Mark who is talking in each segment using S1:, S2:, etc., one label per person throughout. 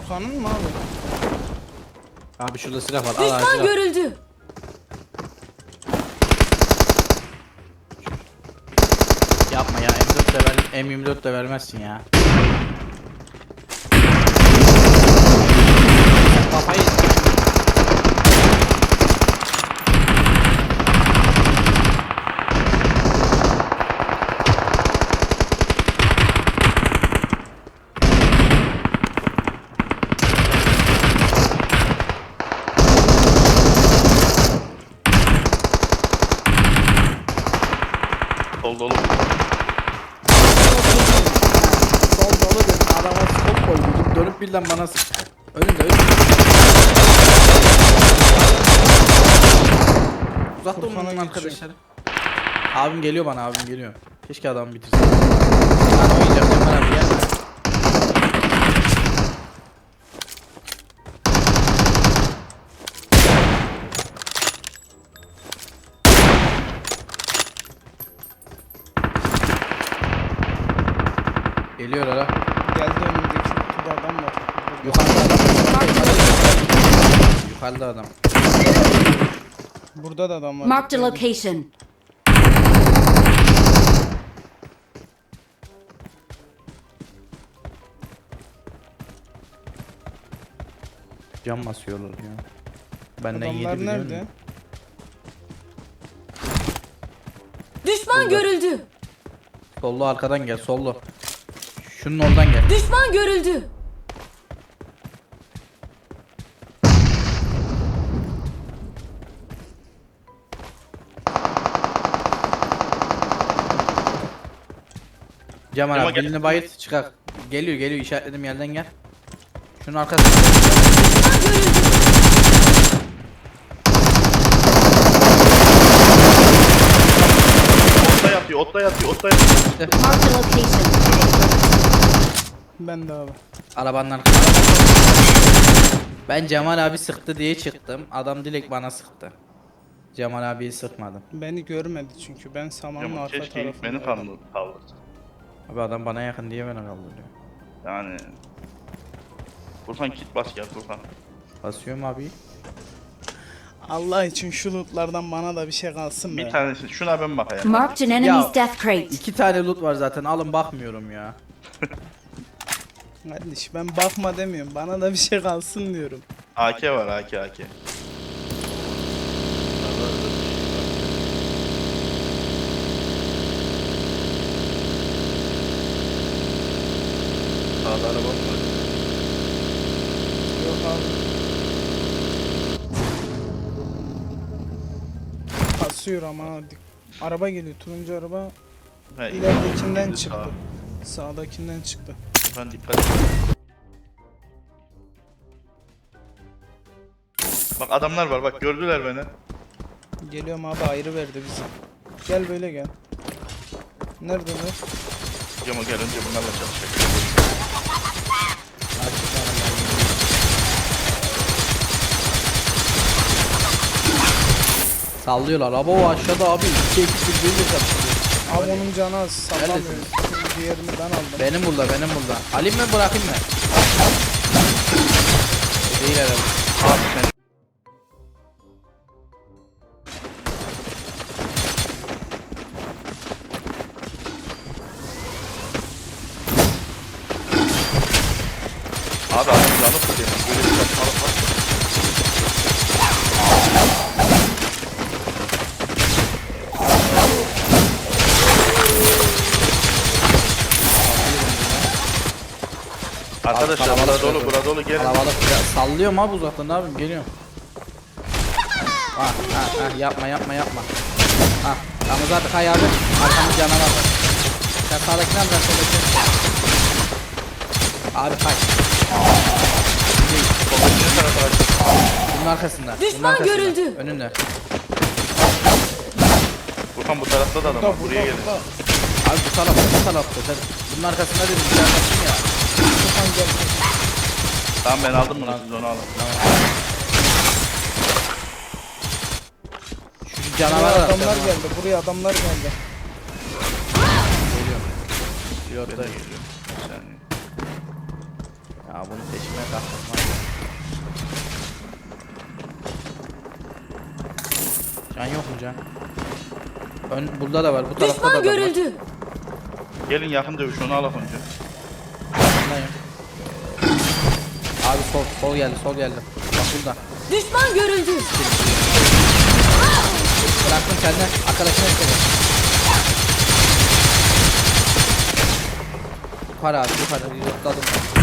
S1: Furkan'ın mı abi?
S2: Abi şurada silah var. Al
S3: Düşman
S2: silah.
S3: görüldü.
S2: Yapma ya, M4 de ver, M24 de vermezsin ya. Kafayı
S4: Sol dolu.
S2: sol dolu dedim, adama skop koydum, dönüp birden bana sıktı. Önünde. Uzak durun
S1: Furkan'a
S2: arkadaşlar. Abim geliyor bana, abim geliyor. Keşke adamı bitirsin. Ben oynayacağım Cemal abi, gel. Geliyor ara.
S1: Geldi önümdeki kutuda adam var.
S2: Yukarıda adam. Yukarıda adam.
S1: Burada da adam var.
S3: Marked a location.
S2: Cam basıyorlar ya. Benden yedi
S1: Adamlar
S2: biliyor
S1: nerede?
S2: musun?
S3: Düşman
S2: Burada.
S3: görüldü.
S2: Sollu arkadan gel, sollu. Şunun oradan gel.
S3: Düşman görüldü.
S2: Cemal
S4: Cemal
S2: abi
S4: gel.
S2: dilini bayıt çıkar. Geliyor işaretlediğim yerden gel. Şunun arkasında.
S3: Düşman görüldü.
S4: Otta yatıyor, otta yatıyor, otta yatıyor.
S3: Marked a location.
S1: Ben de abi.
S2: Arabanın arkasında. Ben Cemal abi sıktı diye çıktım. Adam direkt bana sıktı. Cemal abiyi sıkmadım.
S1: Beni görmedi çünkü ben samanın
S4: Cemal
S1: arka
S4: keşke ilk beni
S1: tarafındaydım.
S4: kaldırdı.
S2: Abi adam bana yakın diye beni kaldırıyor.
S4: Yani... Furkan kit bas gel Furkan.
S2: Basıyorum abi.
S1: Allah için şu lootlardan bana da bir şey kalsın be.
S4: Bir tanesi, şuna ben bakayım.
S3: Marked an enemy's death crate.
S2: 2 tane loot var zaten, alın bakmıyorum ya.
S1: Kardeş ben bakma demiyorum. Bana da bir şey kalsın diyorum.
S4: AK var, AK. Sağda araba var.
S1: Yok abi. Kasıyor ama. Araba geliyor. Turuncu araba.
S4: He,
S1: İleridekinden
S4: ikisi
S1: çıktı.
S4: sağ.
S1: Sağdakinden çıktı.
S4: Furkan dikkat et. Bak adamlar var, bak gördüler beni.
S1: Geliyorum abi, ayrı verdi bizi. Gel böyle gel. Neredeler?
S4: Cemo gel önce bunlarla çalışacak.
S2: Sallıyorlar. Abo o aşağıda abi. 2 ekip birbiriyle kapışıyor.
S1: Abi onun canı az, sallamıyor.
S2: Neredesin?
S1: Diğerini ben aldım.
S2: Benim burada. Alayım mı bırakayım mı? Değil herhalde.
S4: Abi sen. Abi adam yanıp gidiyor. Böyle bir saçmalık var. Arkadaşlar
S2: kalabalık
S4: burada dolu gelin.
S2: Kalabalık ya, sallıyorum abi uzaktan, ne yapayım, geliyorum. Yapma. Ha tamam zaten kay abi. Arkamız canavar var. Sen sağdakini al, ben soldakini. Abi kay.
S4: Soldaki tarafa aç.
S2: Bunun arkasında.
S3: Düşman görüldü.
S2: Önünde.
S4: Furkan bu tarafta da adam var. Buraya gelin.
S2: Abi bu tarafta. Sen bunun arkasında dedim. Bir arkasın ya.
S4: Tamam ben aldım bunu, siz onu alın.
S2: Şu canavar var.
S1: Adamlar geldi, buraya adamlar geldi.
S2: Geliyor.
S4: Ben de
S2: Pilotta.
S4: geliyorum. Bir saniye.
S2: Ya bunu peşime kalkmam. Can yok mu can? Burada da var, bu tarafta da
S3: Düşman
S2: var.
S3: görüldü.
S4: Gelin yakın dövüş onu alak önce.
S2: Yakındayım. Abi sol geldi, sol geldi. Bak burada.
S3: Düşman görüldü.
S2: Bıraktım kendine, arkadaşına istedi. Yukarı abi, yukarı. Reloadladım.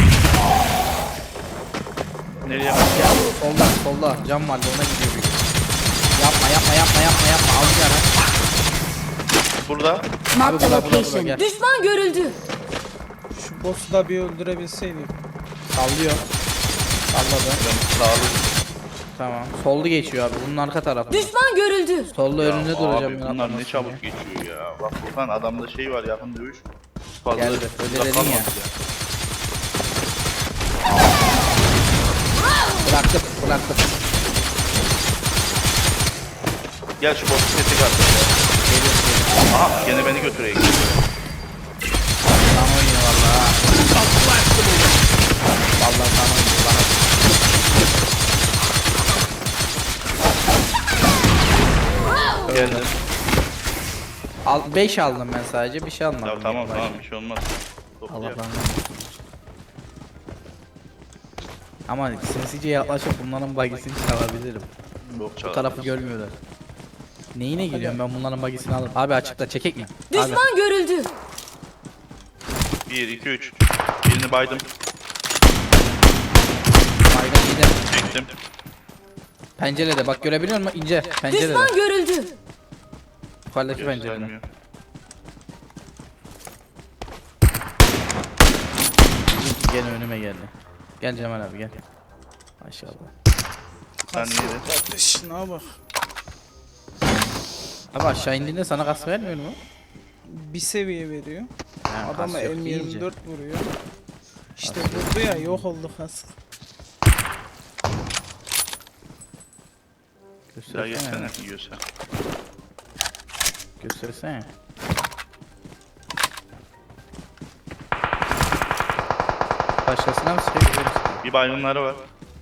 S4: Nereye?
S2: Ya solda. Cam vardı, ona gidiyor büyük. Yapma. Al yana.
S4: Burada.
S3: Marked a
S2: burada,
S3: location.
S2: gel.
S3: Düşman görüldü.
S1: Şu boss'u da bir öldürebilseydik.
S2: Sallıyor. Salladı.
S4: Sağlı.
S2: Tamam. Soldu geçiyor abi. Bunun arka tarafı.
S3: Düşman görüldü.
S2: Solda önünde
S4: Ya
S2: duracağım.
S4: abi
S2: ben
S4: bunlar
S2: atlamasın
S4: ne çabuk
S2: diye.
S4: geçiyor ya. Bak Furkan adamda şey var yakın dövüş. Fazla
S2: Geldi, öyle
S4: uzak
S2: dedin
S4: kalmadı
S2: ya. Bıraktım.
S4: Gel şu botu sesi kaç. Aha gene beni götüreyim.
S2: Tam oynuyor valla. Valla tam oynuyor bana.
S4: Geldim.
S2: 5 aldım ben sadece, bir şey almadım.
S4: Ya tamam bir şey olmaz.
S2: Allah
S4: Toplayalım.
S2: Allah. Ama sinsice yaklaşıp bunların bagisini çalabilirim.
S4: Yok
S2: Bu
S4: çağır.
S2: tarafı görmüyorlar. Neyine geliyorum ben bunların bagisini alırım. Abi açıkta çekek mi? Abi.
S3: Düşman görüldü.
S4: 1 2 3. Birini baydım.
S2: Baygın gidelim.
S4: Çektim.
S2: Pencerede bak, görebiliyor musun? İnce pencerede.
S3: Düşman görüldü.
S2: Yukarıdaki pencerede.
S4: Göstermiyor.
S2: Gene önüme geldi. Gel Cemal abi gel. Maşallah.
S4: Sen neydi?
S1: Kardeşine bak.
S2: Abi aşağı indiğinde sana kas vermiyor mu?
S1: Bir seviye veriyor.
S2: Ha,
S1: Adama
S2: kas yok,
S1: M24
S2: iyice.
S1: vuruyor. İşte vurdu ya, yok oldu kask.
S4: Ya
S2: Göstersene.
S4: geçsene yiyorsa.
S2: Göstersene. Başkasına mı sıkıyor?
S4: Bir baygınları var.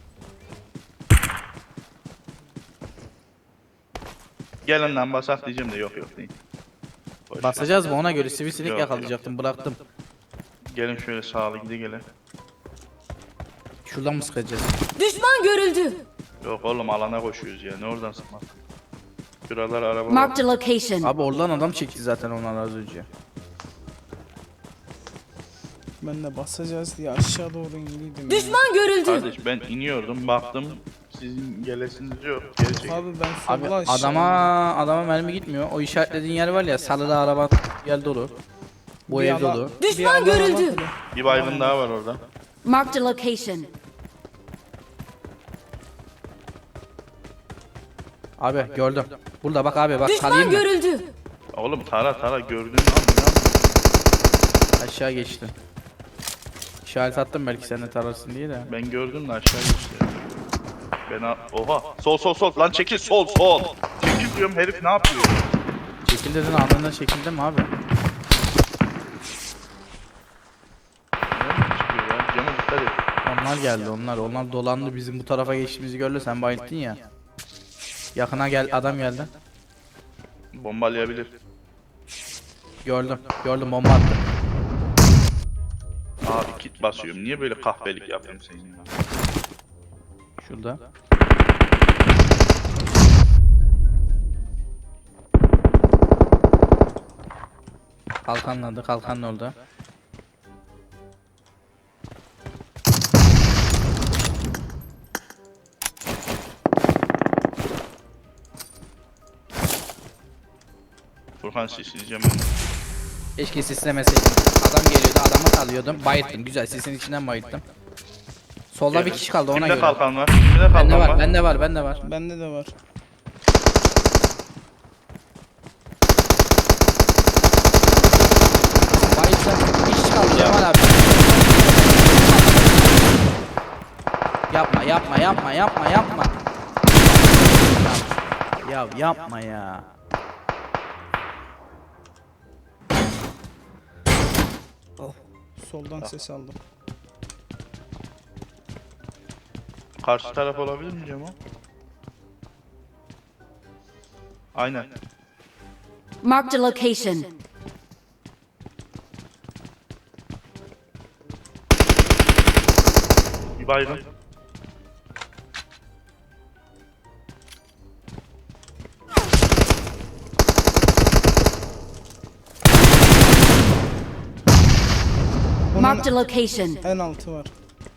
S4: Gelin lan basak diyeceğim de yok değil. Boş ver.
S2: Basacağız mı ona göre? Sivisilik
S4: Yok,
S2: yakalayacaktım, bıraktım.
S4: Gelin şöyle sağlı gide.
S2: Şuradan mı sıkacağız?
S3: Düşman görüldü.
S4: Yok oğlum alana koşuyoruz ya ne oradan sıkmak. Şuralar araba var.
S3: Marked a location.
S2: Abi oradan adam çekti zaten onlar az önce.
S1: Ben de basacağız diye aşağı doğru indiydim ya.
S3: Düşman görüldü.
S4: Kardeş ben iniyordum baktım sizin gelesiniz yok. Geri çekil.
S1: Abi ben
S2: Abi
S1: sola aşağı
S2: adama mermi gitmiyor. O işaretlediğin yer var ya, sarıda araba yer dolu. Bu
S1: Bir
S2: ev
S1: ala-
S2: dolu.
S1: bir
S3: Düşman
S1: alana
S3: görüldü.
S1: bak.
S4: Bir baygın daha var orada.
S3: Marked a location.
S2: Abi gördüm. Burada bak abi, bak
S3: Düşman
S2: kalayım mı?
S3: görüldü.
S4: Oğlum tara gördün mü?
S2: Aşağı geçti. İşaret attım belki sen de tararsın diye de.
S4: Ben gördüm de aşağı geçti. Oha sol lan çekil sol. Çekil diyorum herif ne yapıyor?
S2: Çekil dedin, anında çekildim abi.
S4: Nereden çıkıyor ya? Cama dikkat et.
S2: Onlar geldi onlar dolandı, bizim bu tarafa geçtiğimizi gördü, sen bayılttın ya. Yakına gel, adam geldi.
S4: Bombalayabilir.
S2: Gördüm bomba attı.
S4: Abi kit basıyorum. Niye böyle kahpelik yapıyorsun sen ya?
S2: Şurada. Kalkanın orada.
S4: Furkan sisleyeceğim ben.
S2: Keşke sislemeseydim. Adam geliyordu, adamı salıyordum. Bayılttım, güzel, sisin içinden bayılttım. Solda bir kişi kaldı, ona
S4: Kimde
S2: göre.
S4: kalkan var? Kimde kalkan
S2: Bende
S4: var?
S2: var, bende var.
S1: Bende de var.
S2: Bayılttım. Bir kişi kaldı Cemal abi. Yapma. Ya yapma ya.
S1: Soldan ses aldım.
S4: Karşı taraf olabilir mi Cemo? Aynen.
S3: Marked a location.
S4: Bir baygın.
S3: Marked a location.
S1: En altı var.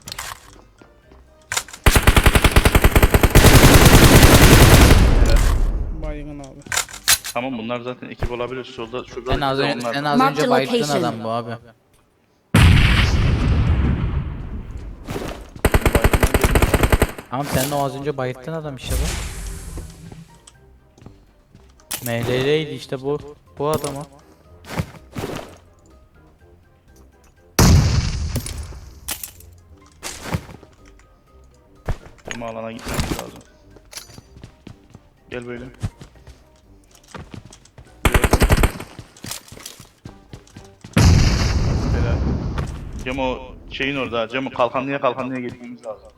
S1: Baygın abi.
S4: Tamam bunlar zaten ekip olabilir. Şurada
S2: En az,
S4: onlar.
S2: en az
S3: Mark
S2: önce
S3: the
S2: bayıttığın
S3: location.
S2: adam bu abi. Tamam sen de o az önce bayıttın adam işte bu. MLL'ydi işte bu adamı.
S4: Bizim alana gitmemiz lazım. Gel böyle. Helal. Cemo şeyin orada. Cemo kalkanlıya gitmemiz lazım.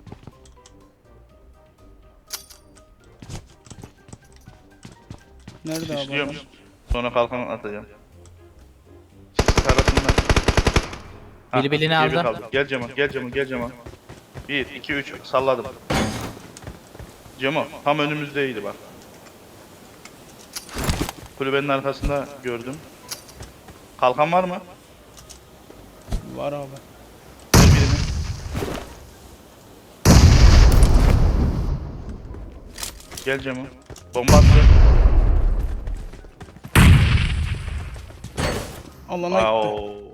S1: Nerede abi?
S4: İşliyorum.
S1: adam?
S4: Sonra kalkan atacağım. Sis tarafından.
S2: Biri birini
S4: ikiye bir
S2: aldı.
S4: kaldı. Gel Cemo. 1, 2, 3 salladım. Cemo tam önümüzdeydi bak. Kulübenin arkasında gördüm. Kalkan var mı?
S1: Var abi.
S4: Ver birini. Gel Cemo. Bomba attı.
S1: Alana gitti.
S4: Wow.